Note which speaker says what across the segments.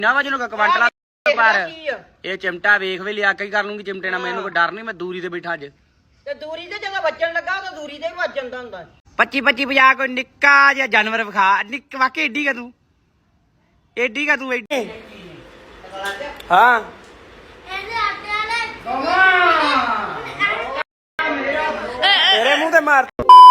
Speaker 1: ਨਾ ਵਜਨ ਕੋ ਕਵੰਟਲਾ ਪਰ ਇਹ ਚਿਮਟਾ ਵੇਖ ਵੀ ਲਿਆ ਕੇ ਕਰ ਲੂੰਗੀ ਚਿਮਟੇ ਨਾਲ ਮੈਨੂੰ ਕੋਈ ਡਰ ਨਹੀਂ ਮੈਂ ਦੂਰੀ ਤੇ ਬੈਠਾ ਅੱਜ
Speaker 2: ਤੇ ਦੂਰੀ ਤੇ ਜਦੋਂ ਵੱਜਣ ਲੱਗਾ ਤਾਂ ਦੂਰੀ ਤੇ ਵੀ ਵੱਜ ਜਾਂਦਾ ਹੁੰਦਾ
Speaker 1: 25 50 ਕੋਈ ਨਿੱਕਾ ਜਿਹਾ ਜਾਨਵਰ ਵਿਖਾ ਨਿੱਕ ਵਾਕੇ ਏਡੀ ਕਾ ਤੂੰ ਏਡੀ ਹਾਂ ਤੇਰੇ ਮੂੰਹ ਤੇ ਮਾਰ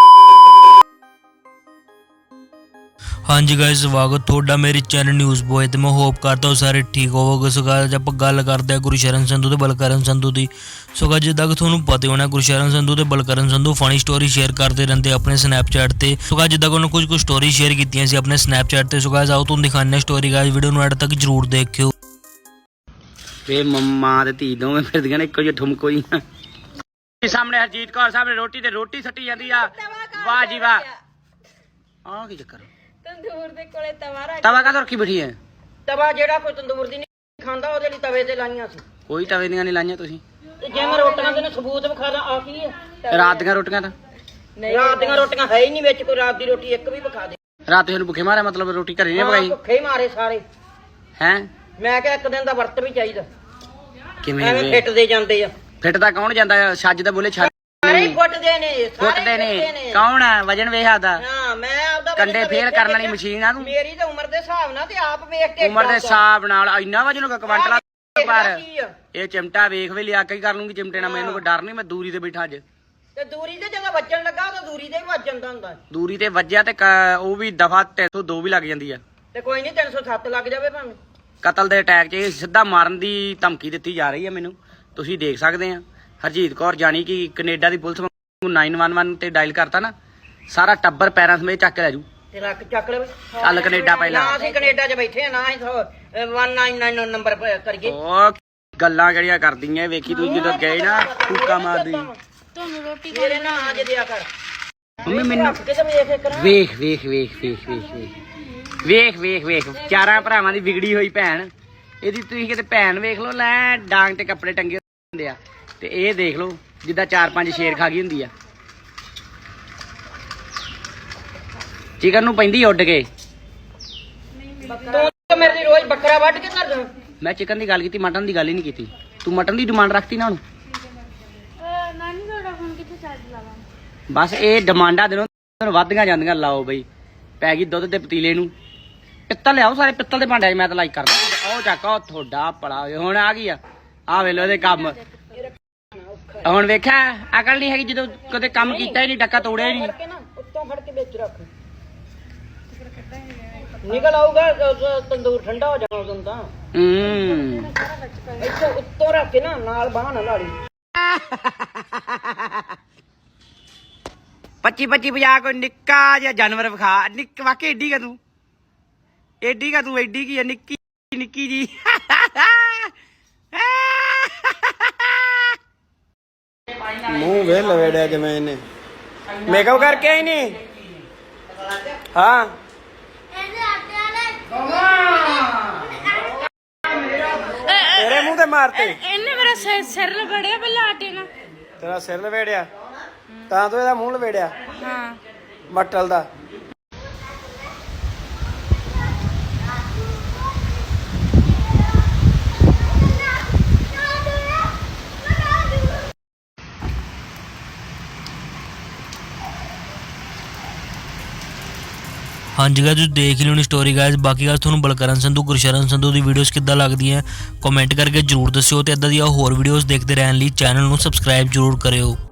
Speaker 3: हाँ जी गाइस स्वागत थोड़ा मेरे चैनल न्यूज़ बॉय तो मैं होप करता हूँ सारे ठीक होवोगे। सो गाइस आप गल करते हैं गुरशरण संधू तो बलकरण संधू की। सो गाइस जिदा कि थोड़ा पता होना गुरशरण संधू तो Balkaran Sandhu funny story share करते रहते अपने स्नैपचैट से। सो गाइस जिदा कि कुछ कुछ स्टोरी शेयर की अपने स्नैपचैट से। सो गाइस आओ तुम दिखाने स्टोरी गाइस वीडियो में एंड तक जरूर देखियो।
Speaker 1: ਤੇ ਮੰਮਾ ਤੇ ਧੀ ਦੋਵੇਂ ਫਿਰਦੀਆਂ ਨੇ ਇੱਕੋ ਜਿਹੇ ਠੁਮਕੋ ਹੀ ਸਾਹਮਣੇ ਹਰਜੀਤ ਕੌਰ ਸਾਹਮਣੇ ਰੋਟੀ ਸੱਟੀ ਜਾਂਦੀ ਆ ਵਾਹ ਜੀ ਵਾਹ ਆ ਕੀ ਚੱਕਰ
Speaker 2: ਤੰਦੂਰ ਦੇ ਕੋਲੇ
Speaker 1: ਤਵਾ ਕਾ ਰੱਖੀ ਬੈਠੀ ਹੈ
Speaker 2: ਤਵਾ ਜਿਹੜਾ ਕੋਈ ਤੰਦੂਰ ਦੀ ਨਹੀਂ ਖਾਂਦਾ ਉਹਦੇ ਲਈ ਤਵੇ ਤੇ ਲਾਈਆਂ ਸੀ
Speaker 1: ਕੋਈ ਤਵੇ ਦੀਆਂ ਨਹੀਂ ਲਾਈਆਂ ਤੁਸੀਂ
Speaker 2: ਤੇ ਜੇ ਮੈਂ ਰੋਟੀਆਂ ਦੇ ਸਬੂਤ ਵਿਖਾ ਦਾਂ ਆ ਕੀ ਹੈ
Speaker 1: ਰਾਤ ਦੀਆਂ ਰੋਟੀਆਂ ਤਾਂ
Speaker 2: ਰਾਤ ਦੀਆਂ ਰੋਟੀਆਂ ਹੈ ਹੀ ਨਹੀਂ ਵਿੱਚ ਕੋਈ ਰਾਤ ਦੀ ਰੋਟੀ ਇੱਕ ਵੀ ਵਿਖਾ ਦੇ
Speaker 1: ਰਾਤ ਤੁਹਾਨੂੰ ਭੁੱਖੇ ਮਾਰਿਆ ਮਤਲਬ ਰੋਟੀ ਘਰੇ ਨਹੀਂ ਪਕਾਈ
Speaker 2: ਭੁੱਖੇ ਹੀ ਮਾਰੇ ਸਾਰੇ
Speaker 1: ਹੈ
Speaker 2: ਮੈਂ ਕਿਹਾ ਇੱਕ ਦਿਨ ਦਾ ਵਰਤ ਵੀ ਚਾਹੀਦਾ
Speaker 1: ਕਿਵੇਂ
Speaker 2: ਐਵੇਂ ਫਿੱਟ ਦੇ ਜਾਂਦੇ ਆ
Speaker 1: ਫਿੱਟ ਤਾਂ ਕੌਣ ਜਾਂਦਾ ਛੱਜ ਦਾ ਬੋਲੇ ਛੱਜ
Speaker 2: ਸਾਰੇ ਫੁੱਟਦੇ ਨੇ
Speaker 1: ਫੁੱਟਦੇ ਨੇ ਕੌਣ ਆ ਵਜਨ ਵੇਖਦਾ
Speaker 2: ਹਾਂ ਮੈਂ ਆਪਦਾ
Speaker 1: ਕੰਡੇ ਫੇਰ ਕਰਨ ਵਾਲੀ ਮਸ਼ੀਨ ਆ ਤੂੰ
Speaker 2: ਮੇਰੀ ਤਾਂ ਉਮਰ ਦੇ ਹਿਸਾਬ ਨਾਲ ਤੇ ਆਪ ਵੇਖ ਕੇ
Speaker 1: ਉਮਰ ਦੇ ਹਿਸਾਬ ਨਾਲ ਇੰਨਾ ਵਜਨ ਕੋ ਕਵੰਟਲਾ ਪਰ ਇਹ ਚਿਮਟਾ ਵੇਖ ਵੀ ਲਿਆ ਕੇ ਕਰ ਲੂੰਗੀ ਚਿਮਟੇ ਨਾਲ ਮੈਨੂੰ ਕੋਈ ਡਰ ਨਹੀਂ ਮੈਂ ਦੂਰੀ ਤੇ ਬੈਠਾ ਅੱਜ
Speaker 2: ਤੇ ਦੂਰੀ ਤੇ ਜਦੋਂ ਵੱਜਣ ਲੱਗਾ ਤਾਂ ਦੂਰੀ ਤੇ ਵੀ ਵੱਜ ਜਾਂਦਾ ਹੁੰਦਾ
Speaker 1: ਦੂਰੀ ਤੇ ਵੱਜਿਆ ਤੇ ਉਹ ਵੀ ਦਫਾ 302 ਵੀ ਲੱਗ ਜਾਂਦੀ ਆ
Speaker 2: ਤੇ ਕੋਈ ਨਹੀਂ 307 ਲੱਗ ਜਾਵੇ ਭਾਵੇਂ
Speaker 1: ਕਤਲ ਦੇ ਅਟੈਕ 'ਚ ਸਿੱਧਾ ਮਾਰਨ ਦੀ ਧਮਕੀ ਦਿੱਤੀ ਜਾ ਰਹੀ ਹੈ ਮੈਨੂੰ ਤੁਸੀਂ ਦੇਖ ਸਕਦੇ ਆ ਹਰਜੀਤ ਕੌਰ ਜਾਣੀ ਕਿ ਕੈਨੇਡਾ ਦੀ ਪੁਲਿਸ ਨੂੰ 911 ਤੇ ਡਾਇਲ ਕਰਤਾ ਨਾ ਸਾਰਾ ਟੱਬਰ ਪੈਰਾਂ ਸਮੇਤ ਚੱਕ ਲੈ ਜੂ
Speaker 2: ਤੇ ਰੱਖ ਚੱਕ ਲੈ
Speaker 1: ਚੱਲ ਕੈਨੇਡਾ ਪਹਿਲਾਂ
Speaker 2: ਨਾ ਅਸੀਂ ਕੈਨੇਡਾ 'ਚ ਬੈਠੇ ਆ ਨਾ ਅਸੀਂ 199 ਨੰਬਰ ਕਰੀਏ
Speaker 1: ਉਹ ਗੱਲਾਂ ਜਿਹੜੀਆਂ ਕਰਦੀਆਂ ਵੇਖੀ ਤੂੰ ਜਦੋਂ ਗਏ ਨਾ ਫੂਕਾ ਮਾਰਦੀ
Speaker 2: ਤੁਹਾਨੂੰ ਰੋਟੀ ਮੇਰੇ ਨਾਲ ਆ ਜੇ ਦਿਆ ਕਰ
Speaker 1: ਮੰਮੀ ਮੈਨੂੰ ਵੇਖ ਚਾਰਾਂ ਭਰਾਵਾਂ ਦੀ ਵਿਗੜੀ ਹੋਈ ਭੈਣ ਇਹਦੀ ਤੁਸੀਂ ਕਿਤੇ ਭੈਣ ਵੇਖ ਲਓ ਲੈ ਡਾਂਗ ਤੇ ਕੱਪੜੇ ਟੰਗੇ ਹੁੰਦੇ ਆ ਤੇ ਇਹ ਦੇਖ ਲਓ ਜਿੱਦਾਂ 4-5 ਸ਼ੇਰ ਖਾ ਗਈ ਹੁੰਦੀ ਆ ਚਿਕਨ ਨੂੰ ਪੈਂਦੀ ਉੱਡ ਕੇ
Speaker 2: ਤੂੰ ਮੇਰੇ ਲਈ ਰੋਜ਼ ਬੱਕਰਾ ਵੱਢ ਕੇ ਧਰਦਾ
Speaker 1: ਮੈਂ ਚਿਕਨ ਦੀ ਗੱਲ ਕੀਤੀ ਮਟਨ ਦੀ ਗੱਲ ਹੀ ਨਹੀਂ ਕੀਤੀ ਤੂੰ ਮਟਨ ਦੀ ਡਿਮਾਂਡ ਰੱਖਤੀ ਨਾ ਹੁਣ
Speaker 4: ਨਾਨੀ ਤੁਹਾਡਾ ਫੋਨ ਕਿੱਥੇ ਚਾਰਜ ਲਾਵਾਂ
Speaker 1: ਬਸ ਇਹ ਡਿਮਾਂਡਾਂ ਦਿਨੋਂ ਦਿਨ ਵੱਧਦੀਆਂ ਜਾਂਦੀਆਂ ਲਾਓ ਬਈ ਪੈ ਗਈ ਦੁੱਧ ਦੇ ਪਤੀਲੇ ਨੂੰ ਪਿੱਤਲ ਲਿਆਓ ਸਾਰੇ ਪਿੱਤਲ ਦੇ ਭਾਂਡੇ ਮੈਂ ਤਾਂ ਲਾਈਕ ਕਰਦਾ ਉਹ ਚੱਕ ਉਹ ਤੁਹਾਡਾ ਪੜਾ ਹੁਣ ਆ ਗਈ ਆ ਵੇਲੋ ਇਹਦੇ ਕੰਮ ਹੁਣ ਵੇਖਿਆ ਅਕਲ ਨਹੀਂ ਹੈਗੀ ਜਦੋਂ ਕਦੇ ਕੰਮ ਕੀਤਾ ਹੀ ਨਹੀਂ ਡੱਕਾ ਤੋੜਿਆ ਹੀ ਨਹੀਂ
Speaker 2: ਉੱਤੋਂ ਫੜ ਕੇ ਵਿੱਚ ਰੱਖ ਨਿਕਲ ਆਊਗਾ ਤੰਦੂਰ ਠੰਡਾ ਹੋ ਜਾਣਾ ਉਦੋਂ ਤਾਂ ਇੱਥੋਂ ਉੱਤੋਂ ਰੱਖ ਕੇ ਨਾ ਨਾਲ ਬਾਹ ਨਾ ਲਾੜੀ
Speaker 1: 25 50 ਕੋਈ ਨਿੱਕਾ ਜਿਹਾ ਜਾਨਵਰ ਵਿਖਾ ਨਿੱਕ ਵਾਕੇ ਏਡੀ ਕਾ ਤੂੰ ਏਡੀ ਕੀ ਆ ਨਿੱਕੀ ਜੀ ਮੂੰਹ ਵੇ ਲਵੇੜਿਆ ਜਿਵੇਂ ਇਹਨੇ ਮੇਕਅਪ ਕਰਕੇ ਆਈ ਨਹੀਂ ਹਾਂ ਤੇਰੇ ਮੂੰਹ ਤੇ ਮਾਰਤੇ
Speaker 4: ਇਹਨੇ ਮੇਰਾ ਸਿਰ ਲਗੜਿਆ ਪਹਿਲਾਂ ਆਟੇ ਨਾਲ
Speaker 1: ਤੇਰਾ ਸਿਰ ਲਵੇੜਿਆ ਤਾਂ ਤੂੰ ਇਹਦਾ ਮੂੰਹ ਲਵੇੜਿਆ
Speaker 4: ਹਾਂ
Speaker 1: ਮਟਲ ਦਾ
Speaker 3: हाँ जी गाइस देख ही लोनी स्टोरी गाइस बाकी गाइस थोड़ा बलकरण संधू गुरशरण संधू की वीडियोस किद्दां लगदियां कमेंट करके जरूर दस्सिओ ते इदां दी होर वीडियोस देखते रहने लई चैनल नूं सबसक्राइब जरूर करियो।